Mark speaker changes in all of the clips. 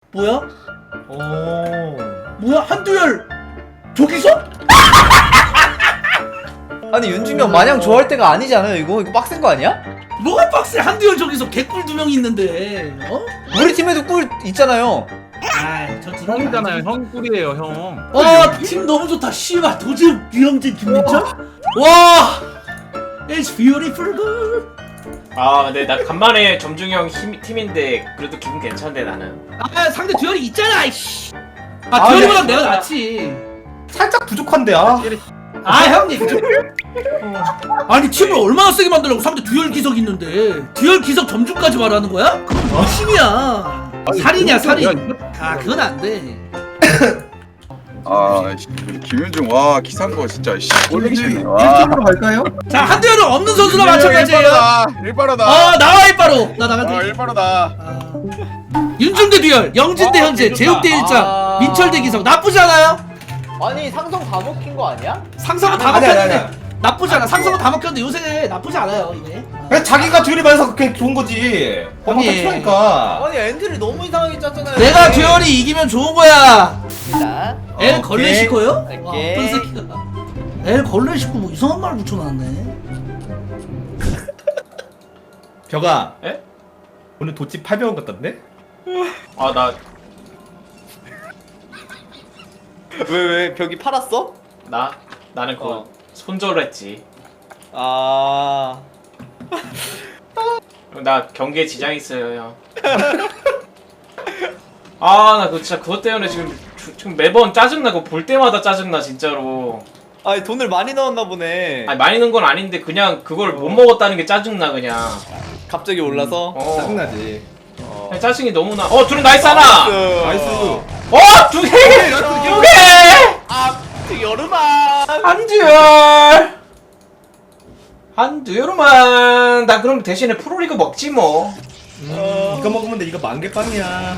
Speaker 1: 뭐야?
Speaker 2: 오.
Speaker 1: 뭐야? 한두열 저기서?
Speaker 3: 아니 윤중이 형 마냥 좋아할 때가 아니지 않아요 이거? 이거 빡센 거 아니야?
Speaker 1: 뭐가 빡세? 한두열 저기서 개꿀 2명이 있는데 어?
Speaker 3: 우리 팀에도 꿀 있잖아요.
Speaker 1: 아저
Speaker 4: 형이잖아요. 형 꿀이에요, 형.
Speaker 1: 와팀 너무 좋다. 씨발 도지욱 유영진 김민철? 와 It's beautiful girl.
Speaker 5: 아 근데 나 간만에 점중이 형 팀인데 그래도 기분 괜찮은데 나는.
Speaker 1: 아 상대 듀얼이 있잖아 이씨. 아 듀얼이보다 내가 낫지.
Speaker 2: 살짝 부족한데 아.
Speaker 1: 아 형님 아니 팀을 얼마나 세게 만들려고. 상대 듀얼 기석 있는데 듀얼 기석 점주까지 말하는 거야? 그건 미신이야. 살인이야 살인. 아 그건 안돼.
Speaker 6: 아, 김윤중 와 기산 거 진짜 씨 꼴보기 싫네. 와.
Speaker 2: 1점으로 갈까요?
Speaker 1: 자 한두열은 없는 선수랑 마찬가지예요.
Speaker 6: 일바로다.
Speaker 1: 나와 일바로. 나 나갈게.
Speaker 6: 일바로다.
Speaker 1: 윤중 대 듀얼, 영진 대 현재, 제욱 대 일장, 민철 대 기석. 나쁘지 않아요?
Speaker 3: 아니 상성 다 먹힌 거 아니야?
Speaker 1: 상성은 다
Speaker 2: 아니, 아니,
Speaker 1: 먹혔는데 나쁘지 않아. 상성은 다 먹혔는데 요새 나쁘지 않아요 이게.
Speaker 2: 왜 자기가 듀얼이 많아서 그게 좋은 거지. 범한
Speaker 1: 형님.
Speaker 2: 필요하니까.
Speaker 3: 아니 엔트를 너무 이상하게 짰잖아요.
Speaker 1: 내가 듀얼이 이기면 좋은 거야.
Speaker 3: 자,
Speaker 1: 엘 걸레시코요? 와,
Speaker 3: 오케이.
Speaker 1: 어떤 새끼가. 엘 걸레시코 뭐 이상한 말 붙여놨네.
Speaker 2: 벽아.
Speaker 5: 에?
Speaker 2: 오늘 도치 800원 같던데?
Speaker 5: 아 나
Speaker 3: 왜 벽이 팔았어?
Speaker 5: 나는 그거 손절을 했지.
Speaker 3: 아,
Speaker 5: 나 경기에 지장이 있어요 형. 아 나 그거 진짜 그것 때문에 지금 매번 짜증나고 볼 때마다 짜증나 진짜로.
Speaker 3: 아니 돈을 많이 넣었나 보네.
Speaker 5: 아니 많이 넣은 건 아닌데 그냥 그걸 못 먹었다는 게 짜증나 그냥.
Speaker 3: 갑자기 올라서.
Speaker 2: 짜증나지.
Speaker 5: 그냥 짜증이 너무 나. 드론 나이스 하나.
Speaker 2: 나이스.
Speaker 5: 두 개.
Speaker 2: 두
Speaker 5: 개.
Speaker 3: 아, 여름아.
Speaker 5: 한두열만. 나 그럼 대신에 프로리그 먹지 뭐.
Speaker 2: 이거 먹으면 돼. 이거 만개빵이야.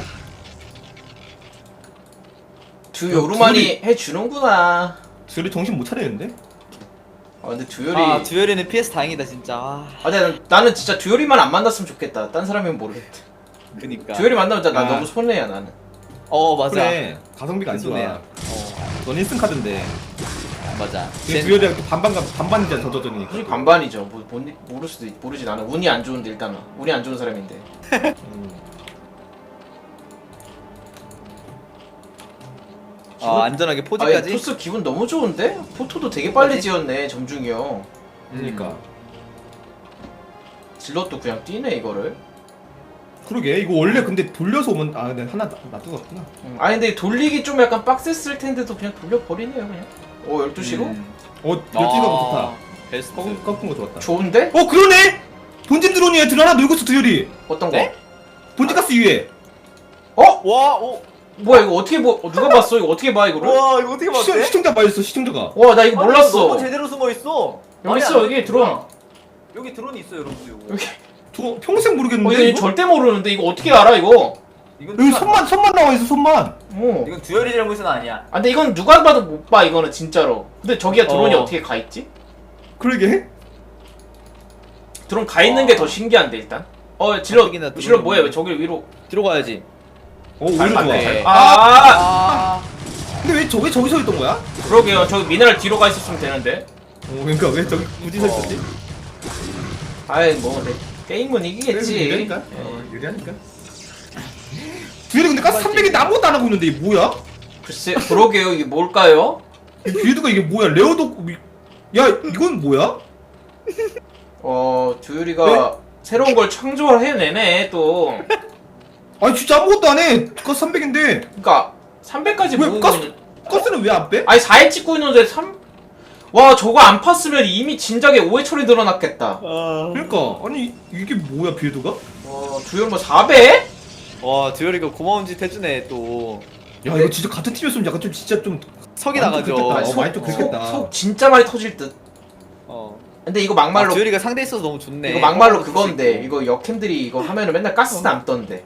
Speaker 5: 두요르만이 해주는구나.
Speaker 2: 듀얼이 정신 못 차리는데?
Speaker 5: 근데 두열이.
Speaker 3: 아, 듀얼이는 PS 다행이다 진짜.
Speaker 5: 근데 나는 진짜 듀얼이만 안 만났으면 좋겠다. 딴 사람이면 모르겠다.
Speaker 3: 그니까.
Speaker 5: 듀얼이 만나면 나
Speaker 2: 아.
Speaker 5: 너무 손해야 나는.
Speaker 3: 맞아.
Speaker 2: 그래. 가성비가 안 좋아.
Speaker 3: 손해야.
Speaker 2: 넌 1승 카드인데.
Speaker 3: 맞아.
Speaker 2: 근데 듀얼이랑 또 반반이잖아 저저전이니까.
Speaker 5: 운이 반반이죠. 모르지 나는 운이 안 좋은데 일단은 운이 안 좋은 사람인데.
Speaker 3: 안전하게 포즈까지.
Speaker 5: 토스 기분 너무 좋은데? 포토도 되게 빨리 지었네 점중이 형.
Speaker 2: 그러니까.
Speaker 5: 질럿도 그냥 뛰네 이거를.
Speaker 2: 그러게 이거 원래 근데 돌려서 오면 근데 하나 놔두고 왔구나.
Speaker 5: 아니 근데 돌리기 좀 약간 빡셌을 텐데도 그냥 돌려버리네요 그냥. 12시로?
Speaker 2: 12가 좋다.
Speaker 3: 베스트.
Speaker 2: 꺾은 거 좋았다.
Speaker 5: 좋은데?
Speaker 2: 그러네! 본진 드론이야. 들 하나 놀고 있어 듀얼이.
Speaker 5: 어떤 거?
Speaker 3: 네?
Speaker 2: 본진 가스 위에.
Speaker 3: 와,
Speaker 5: 뭐야 이거 어떻게 누가 봤어? 이거 어떻게 봐 이거를?
Speaker 3: 와, 이거 어떻게 봤대?
Speaker 2: 시청자 봐있어 시청자가.
Speaker 5: 와 나 이거 몰랐어.
Speaker 3: 너무 제대로 숨어 있어.
Speaker 5: 여기 있어 여기 드론.
Speaker 3: 여기 드론이 있어 여러분.
Speaker 5: 여기.
Speaker 2: 저 평생 모르겠는데.
Speaker 5: 이거
Speaker 2: 이거?
Speaker 5: 절대 모르는데 이거 어떻게 알아 이거?
Speaker 2: 여기 손만 나와 있어 손만.
Speaker 3: 이건 듀얼이 잘못은 아니야.
Speaker 5: 근데 이건 누가 봐도 못 봐 이거는 진짜로. 근데 저기가 드론이 어떻게 가 있지?
Speaker 2: 그러게.
Speaker 5: 드론 가 있는 게 더 신기한데 일단. 질럿
Speaker 3: 가뜩이나 드론이
Speaker 5: 뭐야 왜 저길 위로?
Speaker 3: 뒤로 가야지.
Speaker 2: 오히려 좋아.
Speaker 5: 맞네.
Speaker 2: 근데 왜 저기서 있던 거야?
Speaker 5: 그러게요. 저기 미네랄 뒤로 가 있었으면 되는데.
Speaker 2: 그러니까 왜 저기 굳이 서 있었지?
Speaker 5: 아이 뭐 게임은 이기겠지.
Speaker 2: 유리하니까. 유리하니까. 듀얼이 근데 가스 300이 아무것도 안 하고 있는데 이게 뭐야?
Speaker 5: 글쎄 그러게요. 이게 뭘까요?
Speaker 2: 듀얼가 이게 뭐야? 레오도 야 이건 뭐야?
Speaker 5: 듀얼이가 새로운 걸 창조해내네 또.
Speaker 2: 아니 진짜 아무것도 안 해. 가스 300인데.
Speaker 5: 그러니까 300까지
Speaker 2: 왜
Speaker 5: 모으고
Speaker 2: 가스는 왜 안 빼?
Speaker 5: 아니 4회 찍고 있는데 와 저거 안 팠으면 이미 진작에 5회 처리 늘어났겠다.
Speaker 2: 그러니까 아니 이게 뭐야 빌드가?
Speaker 5: 와 듀얼 뭐 4배?
Speaker 3: 와, 듀얼이가 고마운 짓 해주네 또.
Speaker 2: 야 이거 진짜 같은 팀이었으면 약간 좀 진짜 좀
Speaker 3: 석이
Speaker 2: 많이
Speaker 3: 나가죠.
Speaker 2: 좀 그랬겠다.
Speaker 5: 속-
Speaker 2: 많이 좀 그랬겠다.
Speaker 5: 속 진짜 많이 터질 듯. 근데 이거 막말로
Speaker 3: 듀얼이가 상대 있어서 너무 좋네.
Speaker 5: 이거 막말로 그건데 이거 역캠들이 이거 하면은 맨날 가스 남던데.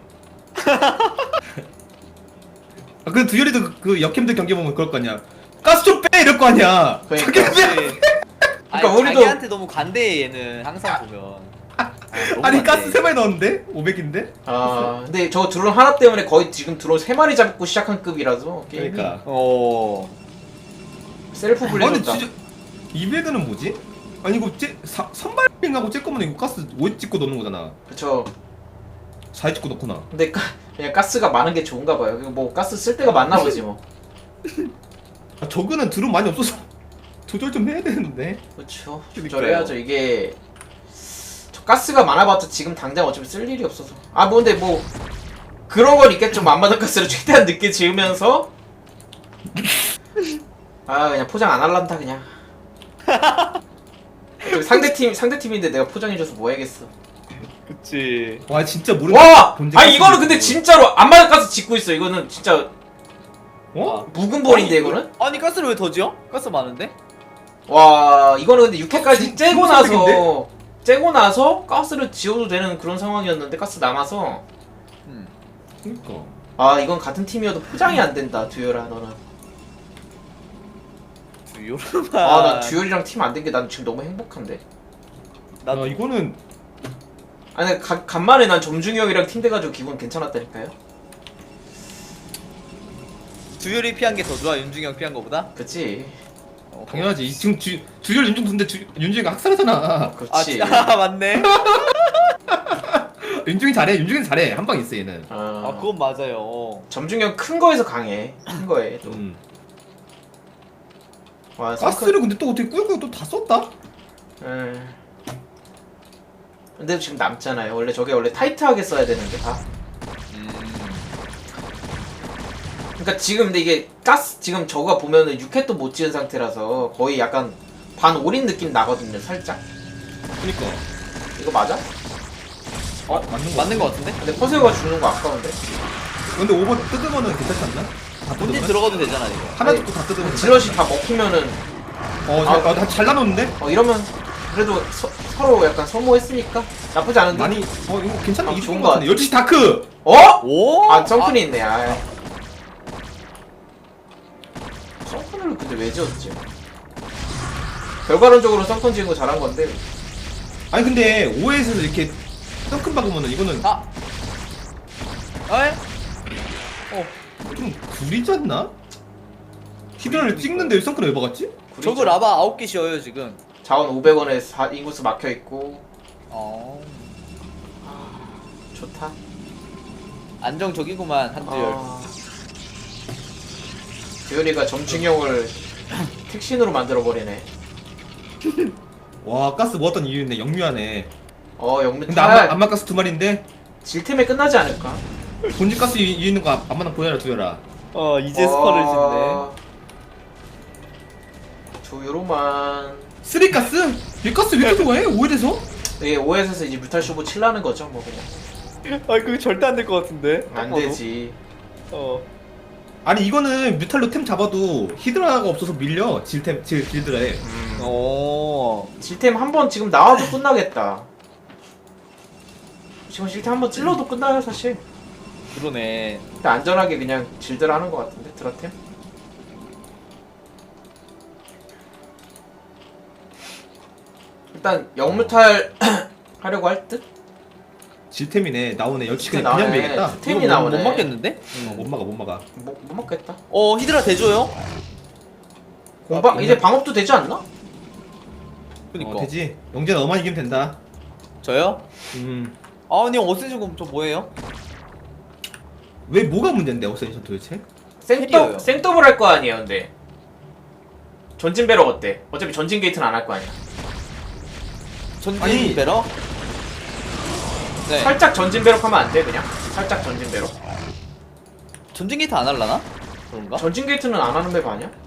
Speaker 2: 그 듀얼이도 그 역캠들 경기 보면 그럴 거 아니야. 가스 좀 빼 이럴 거 아니야.
Speaker 5: 그러니까.
Speaker 2: 자기 빼.
Speaker 3: 그러니까
Speaker 5: 우리도-
Speaker 3: 자기한테 너무 관대해 얘는 항상 보면.
Speaker 2: 아니 가스 3마리 넣었는데? 500인데?
Speaker 5: 아 근데 저 드론 하나 때문에 거의 지금 드론 3마리 잡고 시작한 급이라서 게임이
Speaker 2: 그러니까.
Speaker 5: 셀프
Speaker 2: 아니
Speaker 5: 불리졌다.
Speaker 2: 진짜 200은 뭐지? 아니 이거 선발兵하고 쬐끄면 이거 가스 5에 찍고 넣는 거잖아.
Speaker 5: 그쵸.
Speaker 2: 4에 찍고 넣구나.
Speaker 5: 근데 그냥 가스가 많은 게 좋은가 봐요. 뭐 가스 쓸 데가 많나 보지 뭐.
Speaker 2: 아, 저거는 드론 많이 없어서 조절 좀 해야 되는데.
Speaker 5: 그렇죠.
Speaker 2: 그러니까요.
Speaker 5: 조절해야죠. 이게 저 가스가 많아봤자 지금 당장 어차피 쓸 일이 없어서. 아 뭐 근데 뭐 그런 건 있겠죠. 만마다 가스를 최대한 늦게 지으면서 아 그냥 포장 안 할란다 그냥. 상대 팀인데 내가 포장해줘서 뭐 해야겠어.
Speaker 3: 그치.
Speaker 2: 와 진짜 모르는.
Speaker 5: 와!
Speaker 2: 본질
Speaker 5: 아
Speaker 2: 가스
Speaker 5: 이거는 근데
Speaker 2: 있고.
Speaker 5: 진짜로 안마다 가스 짓고 있어. 이거는 진짜
Speaker 2: 어?
Speaker 5: 묵은 볼인데 이거는?
Speaker 3: 아니 가스를 왜 더 지어? 가스 많은데?
Speaker 5: 와 이거는 근데 6회까지 째고 나서
Speaker 2: 중성적인데?
Speaker 5: 째고 나서 가스를 지어도 되는 그런 상황이었는데 가스 남아서
Speaker 2: 그러니까.
Speaker 5: 아 이건 같은 팀이어도 포장이 안 된다 듀얼아 너는.
Speaker 3: 듀얼만.
Speaker 5: 아 나 듀얼이랑 팀 안 된 게 난 지금 너무 행복한데.
Speaker 2: 아 이거는
Speaker 5: 아니 간만에 난 점중이 형이랑 팀 돼가지고 기분 괜찮았다니까요.
Speaker 3: 듀얼이 피한 게 더 좋아 윤중이 형 피한 거보다?
Speaker 5: 그치.
Speaker 2: 당연하지. 지금 듀얼 윤중 근데 윤중이가 학살하잖아.
Speaker 5: 그렇지.
Speaker 3: 아 맞네.
Speaker 2: 윤중이 잘해. 윤중이 잘해. 한 방 있어 얘는.
Speaker 3: 아 그건 맞아요.
Speaker 5: 점중이 형 큰 거에서 강해. 큰 거에 또. 와
Speaker 2: 가스를 근데 또 어떻게 꾸역꾸역 또 다 썼다?
Speaker 5: 근데 지금 남잖아요. 원래 저게 원래 타이트하게 써야 되는데 다. 그러니까 지금 근데 이게 가스 지금 저거 보면은 6회 도 못 지은 상태라서 거의 약간 반 올인 느낌 나거든요. 살짝.
Speaker 2: 그니까.
Speaker 5: 이거 맞아?
Speaker 3: 맞는 거 같은데?
Speaker 5: 근데 퍼세어가 죽는 거 아까운데.
Speaker 2: 근데 오버 뜯으면은 괜찮지 않나? 다
Speaker 3: 본진
Speaker 2: 뜯으면?
Speaker 3: 들어가도 되잖아 이거.
Speaker 2: 하나
Speaker 5: 아니,
Speaker 2: 듣고 다 뜯으면.
Speaker 5: 질럿이 다 먹히면은
Speaker 2: 잘 나눴는데?
Speaker 5: 이러면 그래도 서로 약간 소모했으니까 나쁘지 않은데.
Speaker 2: 많이 이거 괜찮아.
Speaker 5: 아,
Speaker 2: 이거
Speaker 5: 좋은
Speaker 2: 좋은
Speaker 5: 거
Speaker 2: 거 같은데. 12시 다크.
Speaker 5: 어?
Speaker 3: 오?
Speaker 5: 아 썬큰이 있네. 아. 썬큰을 근데 왜 지었지? 결과론적으로 썬큰 지은 거 잘한 건데.
Speaker 2: 아니 근데 5회에서 이렇게 덩큰 박으면은 이거는
Speaker 3: 아. 어이?
Speaker 2: 좀 구리지 않나? 히드라를 찍는데 덩큰을 왜 박았지?
Speaker 3: 저거 라바 9개 씌워요 지금.
Speaker 5: 자원 500원에 인구수 막혀 있고. 좋다.
Speaker 3: 안정적이구만 한두열.
Speaker 5: 듀얼이가 점중형을 택신으로 만들어버리네.
Speaker 2: 와 가스 모았던 이유인데 영유하네.
Speaker 5: 영미
Speaker 2: 근데
Speaker 5: 탈
Speaker 2: 안마 가스 2마리인데
Speaker 5: 질템에 끝나지 않을까?
Speaker 2: 본진 가스 이유 있는 거 안마나 보여라 두여라.
Speaker 3: 이제 스퍼를 짓네.
Speaker 5: 조요로만.
Speaker 2: 3가스? 얘 가스 왜 이렇게 좋아해? 5회에서?
Speaker 5: 이게 OS에서 이제 뮤탈 쇼부 칠라는 거죠, 뭐 그냥.
Speaker 3: 그거 절대 안 될 것 같은데.
Speaker 5: 안 되지.
Speaker 2: 아니 이거는 뮤탈로 템 잡아도 히드라가 없어서 밀려 질드라에.
Speaker 5: 질템 한 번 지금 나와도 끝나겠다. 지금 질템 한 번 찔러도 끝나요, 사실.
Speaker 3: 그러네.
Speaker 5: 근데 안전하게 그냥 질들 하는 것 같은데, 드라템? 일단 영무탈 하려고 할 듯?
Speaker 2: 질템이네. 나오네. 역시
Speaker 5: 진짜
Speaker 2: 그냥
Speaker 5: 나오네.
Speaker 2: 밀겠다.
Speaker 5: 템이
Speaker 3: 이거
Speaker 5: 나오네.
Speaker 3: 못 막겠는데?
Speaker 2: 못 막아 못 막아.
Speaker 5: 못 먹겠다.
Speaker 3: 히드라 대줘요?
Speaker 5: 공방 이제 방업도 되지 않나?
Speaker 3: 그니까.
Speaker 2: 되지. 영재 너만 이기면 된다.
Speaker 3: 저요?
Speaker 2: 음.
Speaker 3: 아니 어센션 저 뭐예요?
Speaker 2: 왜 뭐가 문제인데 어센션 도대체?
Speaker 3: 캐리어요.
Speaker 5: 생더블 할 거 아니에요, 근데. 전진 배럭 어때? 어차피 전진 게이트는 안 할 거 아니야.
Speaker 3: 전진
Speaker 2: 아니.
Speaker 3: 배러? 네.
Speaker 5: 살짝 전진 배럭 하면 안 돼, 그냥? 살짝 전진 배럭?
Speaker 3: 전진 게이트 안 할라나? 그런가?
Speaker 5: 전진 게이트는 안 하는 맵 아니야?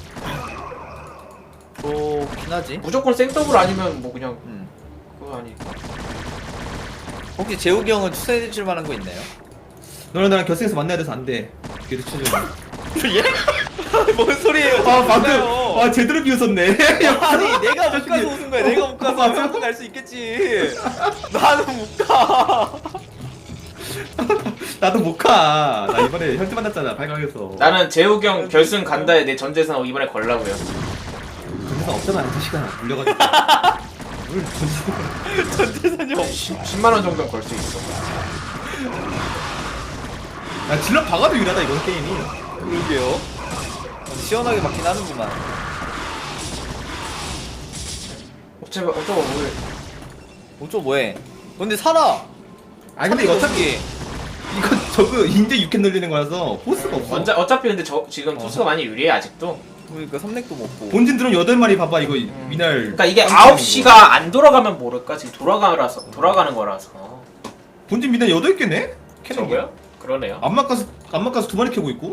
Speaker 3: 그렇긴 하지.
Speaker 5: 무조건 생더블 아니면 뭐 그냥 그거 아니까.
Speaker 3: 혹시 재욱이 형은 추천해 주실 만한 거 있나요?
Speaker 2: 너랑 나랑 결승에서 만나야 돼서 안 돼. 그래도 추천.
Speaker 3: 예? 뭔 소리예요?
Speaker 2: 방금 제대로 비웃었네.
Speaker 3: 아니 내가 못 가서 웃은 거야. 내가 못 가서
Speaker 2: 맞아.
Speaker 3: 형은 갈 수 있겠지. 나는 못 가.
Speaker 2: 나도 못 가. 나 이번에 현지 만났잖아. 발광에서.
Speaker 5: 나는 재욱이 형 결승 간다에 내 전재산 이번에 걸라고요.
Speaker 2: 그래서 없잖아. 그 시간 물려가지고. 뭘 던지고.
Speaker 3: 전태산이
Speaker 5: 10만 원 정도는 걸 수 있어.
Speaker 2: 야 질럿 박아도 유리하다 이건 게임이.
Speaker 3: 그러게요. 시원하게 맞긴 하는구만.
Speaker 5: 어쩌고 뭘.
Speaker 3: 어쩌 뭐해? 근데 살아.
Speaker 2: 아니 근데 이거 어차피 이거 저거 인제 6캔 늘리는 거라서 포스가 없어.
Speaker 5: 어차피 근데 지금 토스가 많이 유리해 아직도.
Speaker 3: 그러니까 삼렉도 먹고.
Speaker 2: 본진 드론 8마리 봐봐 이거 미날.
Speaker 5: 그러니까 이게
Speaker 2: 깜짝
Speaker 5: 9시가 안 돌아가면 모를까 지금 돌아가는 거라서.
Speaker 2: 본진 미날 8개네? 캐는 게.
Speaker 5: 저거요? 그러네요.
Speaker 2: 안마가스 2마리 캐고 있고.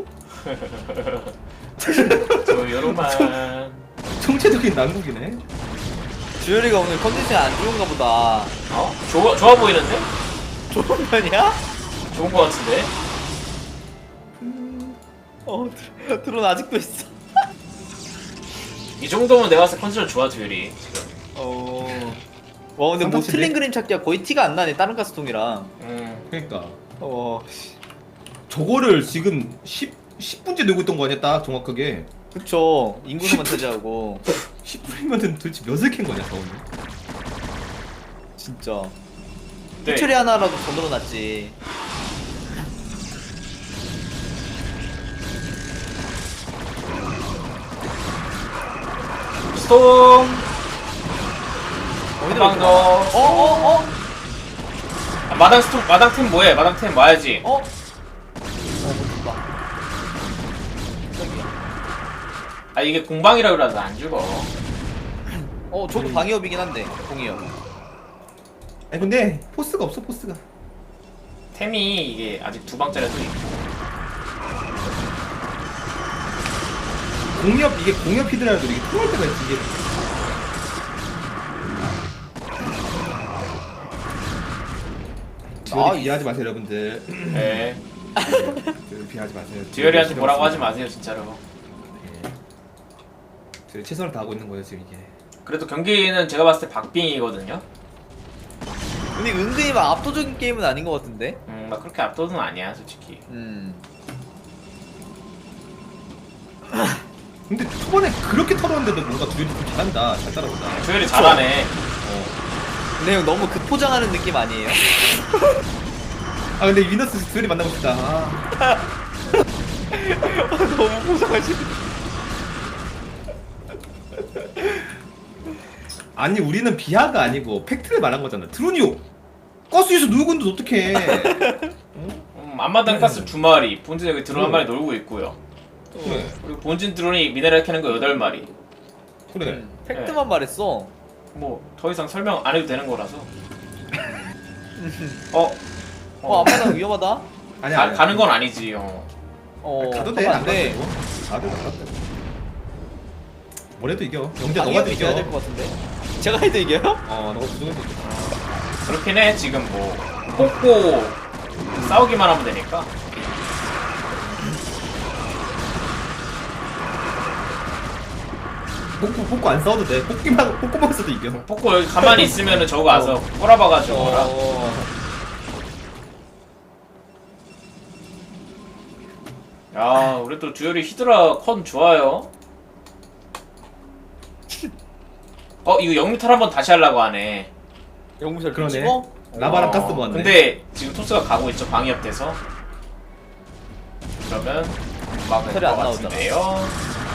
Speaker 5: 조요로만.
Speaker 2: 총체적인 난국이네.
Speaker 3: 주열이가 오늘 컨디션이 안 좋은가 보다.
Speaker 5: 어? 좋아 보이는데?
Speaker 3: 좋은 편이야?
Speaker 5: 좋은 거 같은데?
Speaker 3: 드론 아직도 있어.
Speaker 5: 이 정도면 내가 봤을 때 컨디션 좋아 듀얼이 지금.
Speaker 3: 와 근데 뭐
Speaker 2: 상당치네.
Speaker 3: 틀린 그림 찾기가 거의 티가 안 나네 다른 가스통이랑.
Speaker 2: 그러니까
Speaker 3: 어
Speaker 2: 저거를 지금 10분째 늘고 있던 거 아니야 딱 정확하게.
Speaker 3: 그쵸. 인구수만 차지하고.
Speaker 2: 10분이면 도대체 몇을 캔 거냐 저거는.
Speaker 3: 진짜.
Speaker 5: 네.
Speaker 3: 해처리 하나라도 더 늘어났지.
Speaker 5: 스톰.
Speaker 3: 어디로
Speaker 5: 한방
Speaker 3: 이렇게
Speaker 5: 더. 아, 마당 스톰 마당 템 뭐해? 마당 템 와야지.
Speaker 3: 못봐.
Speaker 5: 아 이게 공방이라 그래서 안 죽어.
Speaker 3: 저도 방위업이긴 한데 공이업.
Speaker 2: 아니 근데 포스가 없어 포스가.
Speaker 5: 템이 이게 아직 2방짜리도 있고.
Speaker 2: 이게 공협 히드라도 이게 통할 때가 있지 이게. 듀얼이 비하지 마세요 여러분들.
Speaker 5: 네.
Speaker 2: 듀얼 비하지 마세요.
Speaker 5: 듀얼이한테 뭐라고 하지 마세요 진짜로.
Speaker 2: 듀얼 최선을 다하고 있는 거예요 지금 이게.
Speaker 5: 그래도 경기는 제가 봤을 때 박빙이거든요.
Speaker 3: 근데 은근히 막 압도적인 게임은 아닌 것 같은데.
Speaker 5: 막 그렇게 압도는 아니야 솔직히.
Speaker 2: 근데 초반에 그렇게 털었는데도 뭔가 듀얼이 좀 잘한다. 잘 따라온다.
Speaker 5: 듀얼이 잘하네.
Speaker 3: 근데 형 너무 급포장하는 느낌 아니에요?
Speaker 2: 아 근데 위너스 듀얼이 만나고 싶다. 아.
Speaker 3: 너무 포장하시네.
Speaker 2: 아니 우리는 비하가 아니고 팩트를 말한 거잖아. 드론이요. 가스에서 누구 있는데 어떡해.
Speaker 5: 앞마당 가스 2마리, 본진 여기 드론 1마리 놀고 있고요.
Speaker 2: 그래.
Speaker 5: 그리고 본진 드론이 미네랄 캐는 거 8마리.
Speaker 2: 그래.
Speaker 3: 팩트만 말했어.
Speaker 5: 뭐 더 이상 설명 안 해도 되는 거라서.
Speaker 3: 앞마당 위험하다.
Speaker 2: 아니야.
Speaker 5: 가는 건 아니지.
Speaker 2: 가도 돼.
Speaker 3: 가면
Speaker 2: 안
Speaker 3: 안 돼.
Speaker 2: 가도 돼. 뭐래도 이겨. 영재 너가
Speaker 3: 방위업이
Speaker 2: 이겨.
Speaker 3: 돼야 될 것 같은데. 제가 해도 이겨요?
Speaker 2: 너가 부족해도 이겨.
Speaker 5: 그렇긴 해. 지금 뭐 뽑고 싸우기만 하면 되니까.
Speaker 2: 뽑고 안 싸워도 돼. 뽑고만 써도 이겨.
Speaker 5: 뽑고 여기 가만히 있으면은 저거 와서 꼬라박아주고 거라. 야, 우리 또 듀얼이 히드라 컨 좋아요. 이거 영미탈 한번 다시 하려고 하네.
Speaker 3: 영무실
Speaker 2: 그러네.
Speaker 3: 찍어?
Speaker 2: 라바랑 가스 모았네.
Speaker 5: 근데 지금 토스가 가고 있죠. 방위업 돼서. 그러면 막을
Speaker 3: 털이
Speaker 5: 것
Speaker 3: 안 나오잖아.
Speaker 5: 같은데요.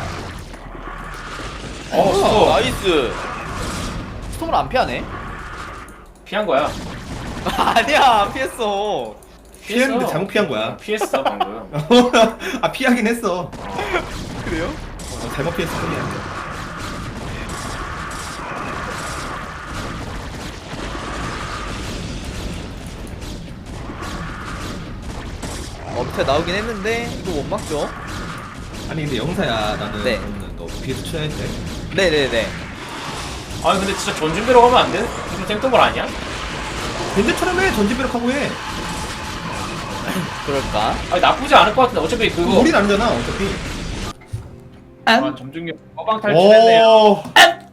Speaker 3: 스톰. 나이스. 스톰을 안 피하네?
Speaker 5: 피한 거야.
Speaker 3: 아니야 안 피했어.
Speaker 2: 피했는데 잘못 피한 거야.
Speaker 5: 피했어 방금.
Speaker 2: 아 피하긴 했어.
Speaker 3: 그래요?
Speaker 2: 잘못 피했을 뿐이야.
Speaker 3: 밑에 나오긴 했는데 이거 못 막죠?
Speaker 2: 아니 근데 영사야 나는
Speaker 3: 네.
Speaker 2: 너는 너 비에서 쳐야 돼.
Speaker 3: 네네네.
Speaker 5: 아니 근데 진짜 전준비로 가면 안 돼? 좀 땡뚱걸 아니야?
Speaker 2: 벤제처럼 해. 전지배력하고 해.
Speaker 3: 그럴까?
Speaker 5: 아니 나쁘지 않을 것 같은데 어차피 그거
Speaker 2: 우린 아니잖아 어차피.
Speaker 5: 점중력 허방 탈출했네요.
Speaker 2: 오.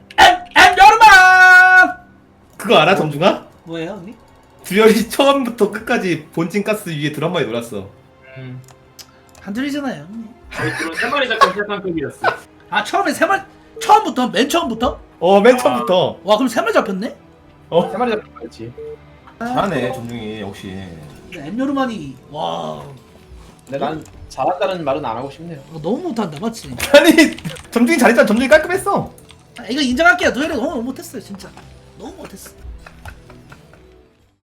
Speaker 1: 여름아
Speaker 2: 그거 알아 점중아?
Speaker 1: 뭐예요 언니?
Speaker 2: 듀얼이 처음부터 끝까지 본진 가스 위에 드럼 마리 놀았어.
Speaker 1: 안 들리잖아요 언니.
Speaker 5: 저희 드론 3마리 잡고 세판급이었어.
Speaker 1: 아 처음에 처음부터 맨 처음부터?
Speaker 2: 맨 처음부터.
Speaker 1: 와 그럼 3마리 잡혔네?
Speaker 4: 세 마리 잡혔지.
Speaker 2: 잘하네 점중이 역시.
Speaker 1: 엠요르만이 와
Speaker 5: 근데 난 잘한다는 말은 안 하고 싶네요.
Speaker 1: 너무 못한다 맞지?
Speaker 2: 아니 점중이 잘했잖아. 점중이 깔끔했어.
Speaker 1: 이거 인정할게요. 도열이 너무 못했어요 진짜 너무 못했어.